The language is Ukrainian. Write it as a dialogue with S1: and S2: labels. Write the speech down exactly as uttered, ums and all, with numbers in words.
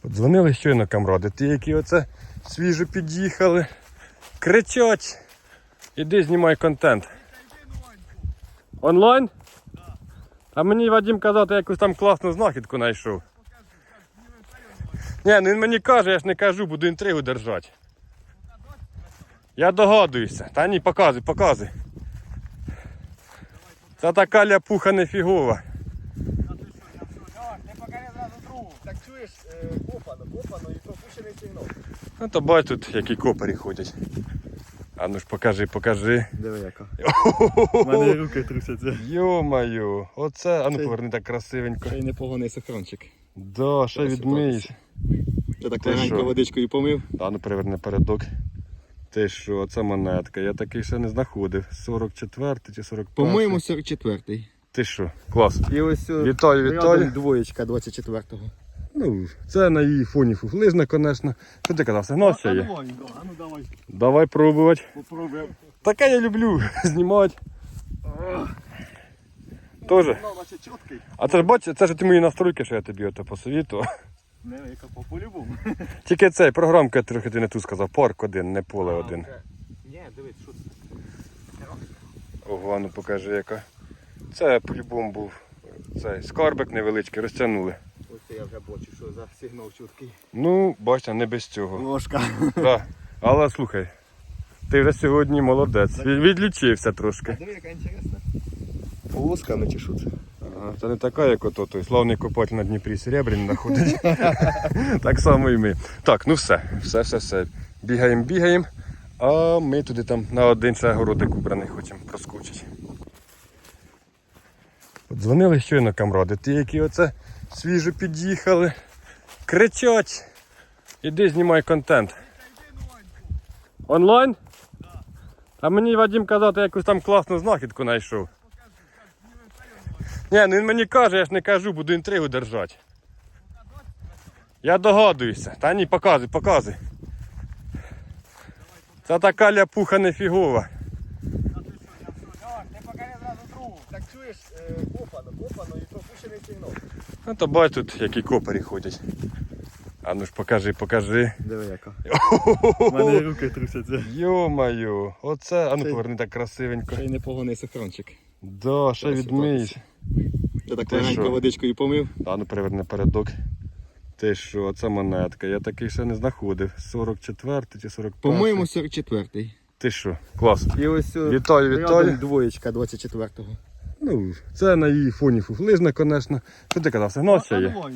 S1: Подзвонили щойно камради, ті, які оце свіжо під'їхали. Кричать. Іди знімай контент. Онлайн? А мені Вадим казав, ти якусь там класну знахідку знайшов. Ні, ну він мені каже, я ж не кажу, буду інтригу держати. Я догадуюся. Та ні, показуй, показуй. Це така ляпуха нефігова.
S2: Так чуєш, копано, копано і пропущений сигнал.
S1: Ну то бач тут, які копарі ходять. А ну ж покажи, покажи.
S2: Диви яка. У мене руки трусяться.
S1: Йо-моє, оце, а ну поверни так красивенько.
S2: Це й непоганий сохранчик.
S1: Да, ще відмиєш.
S2: Ти так
S1: Ти
S2: легенько
S1: що?
S2: водичкою помив.
S1: А ну переверни передок. Ти що, це монетка, я такий ще не знаходив. сорок четвертий чи сорок перший?
S2: По-моєму, сорок четвертий.
S1: Ти що, клас.
S2: І ось
S1: Вітаю,
S2: рядом
S1: вітаю.
S2: двоєчка двадцять четвертого.
S1: Ну, це на її фоні фуфлижна, звісно. Що ти казав, сигнал ще є?
S2: А ну давай,
S1: Давай пробувати.
S2: попробуємо.
S1: Таке я люблю знімати. Тоже.
S2: Ну, наче чіткий.
S1: А це ж бач, це ж ті мої настройки, що я тобі ото посовітував.
S2: Не, яка по-любому.
S1: Тільки цей програмка трохи ти не ту сказав. Парк один, не поле один.
S2: Ні, дивись, що це.
S1: Ого, ну покажи яка. Це по-любому був цей скарбик невеличкий, розтягнули.
S2: Ось це я вже бачу, що за сигнал чіткий.
S1: Ну, бачите, не без цього.
S2: Ложка.
S1: Да. Але слухай, ти вже сьогодні молодець. Від- Відлічився трошки.
S2: Диви, яка інтересна. Полосками чи що це?
S1: Ага, це не така, як ото той славний копатель на Дніпрі Серебряний знаходить. Так само і ми. Так, ну все, все, все, все. Бігаємо, бігаємо, а ми туди там на один ще городик убраний хочемо проскочити. Подзвонили щойно камради, ті, які оце свіжо під'їхали. Кричать. Іди знімай контент. Онлайн? А мені Вадим казав, ти якусь там класну знахідку знайшов. Ні, ну він мені каже, я ж не кажу, буду інтригу держати. Я догадуюся. Та ні, показуй, показуй. Це така ляпуха нефігова.
S2: Ти покажи зразу другу. Так чуєш, копано, копано і пропущений сигнал.
S1: Ну то бач тут, які копарі ходять. А ну ж покажи, покажи.
S2: Диви яка. У мене руки трусяться.
S1: Йо-моє, оце, а ну
S2: Це-
S1: поверни так красивенько.
S2: Це й непоганий сохранчик.
S1: Да, ще відмиєш.
S2: Ти так
S1: Ти
S2: легенько
S1: що?
S2: водичкою помив.
S1: А ну переверни передок. Ти що, це монетка, я такий ще не знаходив. сорок четвертий чи сорок перший?
S2: По-моєму, сорок четвертий.
S1: Ти що, клас.
S2: І ось
S1: Вітаю,
S2: рядом
S1: вітаю.
S2: двоєчка двадцять четвертого.
S1: Ну, це на її фоні фуфлижна, звісно. Що ти казав, сигнал ще є?